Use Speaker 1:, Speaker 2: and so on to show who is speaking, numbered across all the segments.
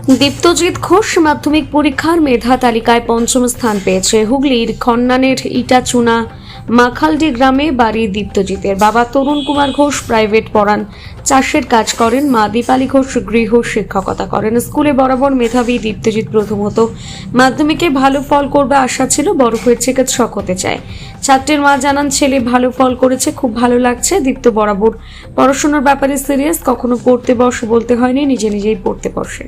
Speaker 1: দীপ্তজিৎ ঘোষ মাধ্যমিক পরীক্ষার মেধা তালিকায় পঞ্চম স্থান পেয়েছে। হুগলির খন্নানের ইটাচুনা মাখালডি গ্রামে বাড়ি দীপ্তজিতের। বাবা তরুণ কুমার ঘোষ প্রাইভেট পড়ান, চাষের কাজ করেন। মা দীপালি ঘোষ গৃহ শিক্ষকতা করেন। স্কুলে বরাবর মেধাবী দীপ্তজিৎ প্রথমত মাধ্যমিকে ভালো ফল করবে আশা ছিল, বড় হয়ে চিকিৎসক হতে চায়। ছাত্রের মা জানান, ছেলে ভালো ফল করেছে, খুব ভালো লাগছে। দীপ্ত বরাবর পড়াশোনার ব্যাপারে সিরিয়াস, কখনো পড়তে বস বলতে হয়নি, নিজে নিজেই পড়তে বসে।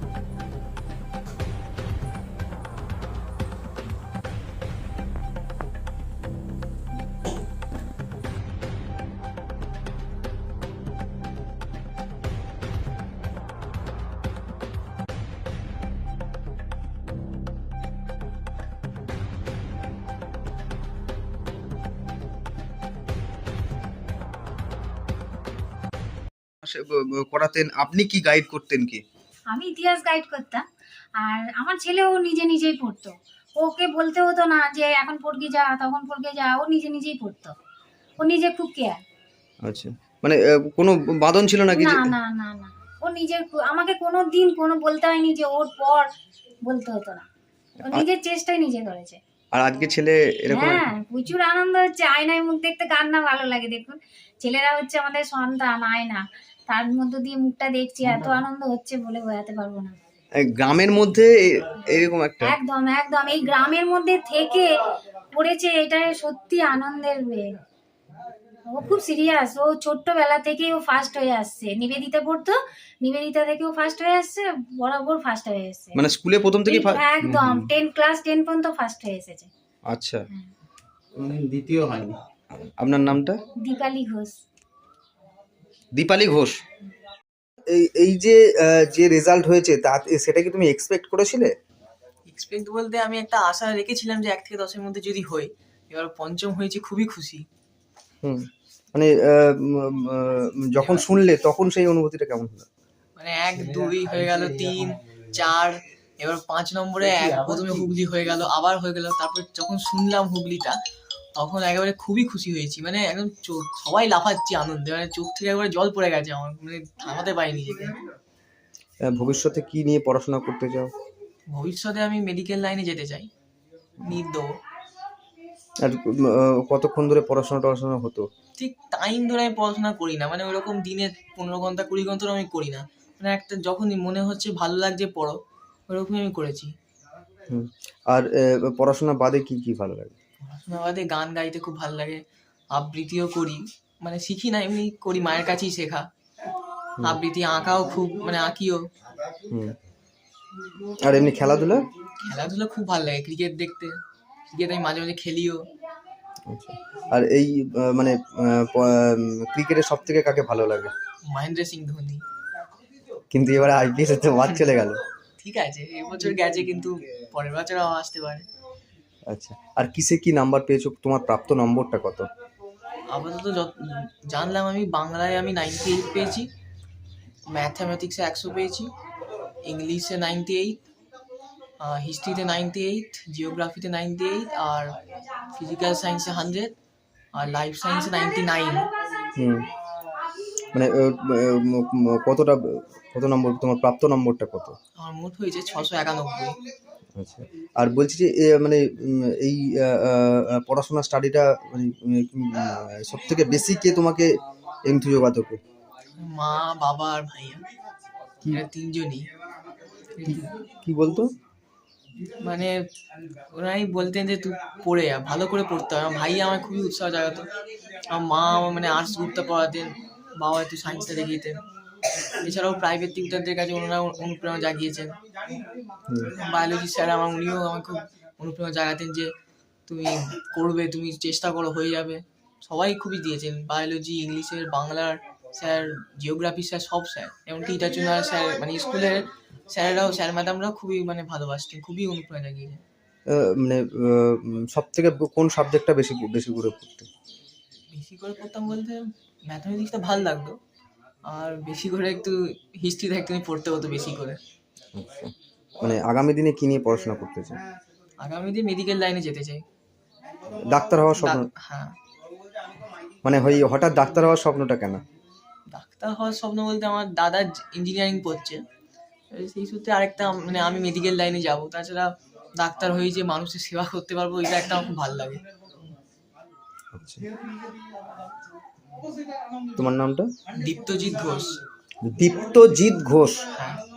Speaker 2: করাতেন, আপনি কি গাইড করতেন কি?
Speaker 3: আমি ইতিহাস গাইড করতাম। আর আমার ছেলেও নিজে নিজেই পড়তো, ওকে বলতে হতো না যে এখন পড়কে যা তখন পড়কে যা, ও নিজে নিজেই পড়তো। ও নিজে খুব কেয়ার।
Speaker 2: আচ্ছা, মানে কোনো বাঁধন ছিল নাকি?
Speaker 3: না না না না, ও নিজে আমাকে কোনো দিন কোনো বলতে হয়নি যে ওর পর, বলতে হতো না। ও নিজের চেষ্টাই নিজে করেছে।
Speaker 2: আর আজকে ছেলে এরকম?
Speaker 3: হ্যাঁ, প্রচুর আনন্দ হচ্ছে। আয়নায় মুখ দেখতে কার না ভালো লাগে। দেখুন, ছেলেরা হচ্ছে আমাদের সন্তান, আয়না, তার মধ্য দিয়ে মুখটা দেখছি, এত আনন্দ হচ্ছে বলে বোঝাতে পারবো না।
Speaker 2: গ্রামের মধ্যে এরকম একটা,
Speaker 3: একদম একদম এই গ্রামের মধ্যে থেকে পড়েছে, এটা সত্যি আনন্দের ও খুব সিরিয়াস, ও ছোট্টবেলা থেকেই ও ফার্স্ট হয়ে আসছে। নিবেদিতা পড়তো, নিবেদিতা থেকে ও ফার্স্ট হয়ে আসছে, বরাবর ফার্স্ট হয়ে এসেছে।
Speaker 2: মানে স্কুলে প্রথম থেকে
Speaker 3: একদম ক্লাস 10 পর্যন্ত ফার্স্ট হয়ে এসেছে।
Speaker 2: আচ্ছা,
Speaker 4: দ্বিতীয় হয়নি।
Speaker 2: আপনার নামটা?
Speaker 3: দীপালি ঘোষ।
Speaker 2: দীপালি ঘোষ। এই যে যে রেজাল্ট হয়েছে তা সেটা কি তুমি এক্সপেক্ট করেছিলে?
Speaker 5: এক্সপেক্ট বলতে আমি একটা আশা রেখেছিলাম যে 1 থেকে 10-এর মধ্যে যদি হই। এবার পঞ্চম হয়েছে, খুবই খুশি।
Speaker 2: মানে যখন শুনলে তখন সেই অনুভূতিটা কেমন হলো?
Speaker 5: মানে 1, 2 হয়ে গেল, 3, 4, এবার 5 নম্বরে প্রথমে হুগলি হয়ে গেল, আবার হয়ে গেল। তারপর যখন শুনলাম হুগলিটা, তখন একেবারে খুবই খুশি হয়েছি। মানে একদম সবাই লাফাচ্ছি আনন্দে, মানে চোখ থেকে একবারে জল পড়ে গেছে আমার, মানে থামাতে পারিনি নিজেকে।
Speaker 2: ভবিষ্যতে কি নিয়ে পড়াশোনা করতে চাও?
Speaker 5: ভবিষ্যতে আমি মেডিকেল লাইনে যেতে চাই, নিট দেবো।
Speaker 2: আর কতক্ষণ ধরে পড়াশোনা হতো?
Speaker 5: ঠিক টাইম ধরে আমি পড়াশোনা করি না, মানে ওইরকম দিনে 15 ঘন্টা 20 ঘন্টা আমি করি না। মানে একটা যখনই মনে হচ্ছে ভালো লাগছে পড়ো, ওরকমই আমি করেছি।
Speaker 2: আর পড়াশোনা বাদে কি কি ভালো লাগে?
Speaker 5: পড়াশোনা বাদে গান গাইতে খুব ভালো লাগে, আবৃত্তিও করি। মানে শিখি না, এমনি করি, মায়ের কাছেই শেখা। আবৃত্তি, আঁকাও খুব, মানে আঁকিও।
Speaker 2: আর এমনি খেলাধুলা?
Speaker 5: খেলাধুলা খুব ভালো লাগে, ক্রিকেট দেখতে। ক্রিকেট আমি মাঝে মাঝে খেলিও।
Speaker 2: আচ্ছা, আর এই মানে ক্রিকেটে সব থেকে কাকে ভালো লাগে?
Speaker 5: মহেন্দ্র সিং ধোনি।
Speaker 2: কিন্তু এবারে আইপিএস এ তো বাদ চলে গেল।
Speaker 5: ঠিক আছে, এবছর গেছে, কিন্তু পরের বছর আসতে পারে।
Speaker 2: আচ্ছা, আর কিসে কি নাম্বার পেয়েছো? তোমার প্রাপ্ত নম্বরটা কত?
Speaker 5: আপাতত জানলাম আমি বাংলায় আমি 98 পেয়েছি, ম্যাথামেটিক্সে 100 পেয়েছি, ইংলিশে 98, হিস্ট্রিতে 98, জিওগ্রাফিতে 98, আর ফিজিক্যাল সায়েন্সে 100, আর লাইফ সায়েন্সে 99।
Speaker 2: মানে কত নম্বর তোমার প্রাপ্ত নম্বরটা কত?
Speaker 5: আমার মোট হয়েছে 691।
Speaker 2: আচ্ছা, আর বলছি যে মানে এই পড়াশোনা স্টাডিটা মানে সব থেকে বেশি কে তোমাকে এন্থু যোগাতো?
Speaker 5: মা, বাবা আর ভাইয়া, এরা তিনজনই।
Speaker 2: কি বলতো?
Speaker 5: মানে ওরাই বলতেন যে তুই পড়ে যা, ভালো করে পড়তে হবে। আমার ভাইয়া আমার খুবই উৎসাহ জাগাতো। আমার মা আমার মানে আর্টস গ্রুপটা পড়াতেন, বাবা একটু সায়েন্সটা দেখিয়েতেন। এছাড়াও প্রাইভেট টিউটারদের কাছে ওনারা অনুপ্রেরণা জাগিয়েছেন। বায়োলজি স্যার আমার, উনিও আমার খুব অনুপ্রেরণা জাগাতেন যে তুমি করবে, তুমি চেষ্টা করো, হয়ে যাবে। সবাই খুবই দিয়েছেন, বায়োলজি, ইংলিশের, বাংলার স্যার, জিওগ্রাফি স্যার, সব স্যার, এমনকি ইটাচুনার স্যার, মানে স্কুলের স্যারেরাও, স্যার ম্যাডামরাও খুবই মানে ভালোবাসতেন, খুবই অনুপ্রেরণা জাগিয়েছেন।
Speaker 2: মানে সব থেকে কোন সাবজেক্টটা বেশি বেশি করে পড়তে?
Speaker 5: বেশি করে পড়তাম বলতে ম্যাথমেটিক্সটা ভালো লাগতো, আর বেশি করে একটু হিস্ট্রিটা একটু পড়তে হতো বেশি করে।
Speaker 2: আচ্ছা, মানে আগামী দিনে কি নিয়ে পড়াশোনা করতে চাই?
Speaker 5: আগামী দিনে মেডিকেল লাইনে যেতে চাই।
Speaker 2: ডাক্তার হওয়ার স্বপ্ন?
Speaker 5: হ্যাঁ।
Speaker 2: মানে হঠাৎ ডাক্তার হওয়ার স্বপ্নটা কেন?
Speaker 5: ডাক্তার হওয়ার স্বপ্ন বলতে আমার দাদা ইঞ্জিনিয়ারিং পড়ছে, সেই সূত্রে আরেকটা মানে আমি মেডিকেল লাইনে যাব, তাছাড়া ডাক্তার হয়ে যে মানুষের সেবা করতে পারবো এটা একটা আমার খুব ভালো লাগে।
Speaker 2: আচ্ছা, তোমার নামটা?
Speaker 5: দীপ্তজিৎ ঘোষ।
Speaker 2: দীপ্তজিৎ ঘোষ।
Speaker 5: হ্যাঁ।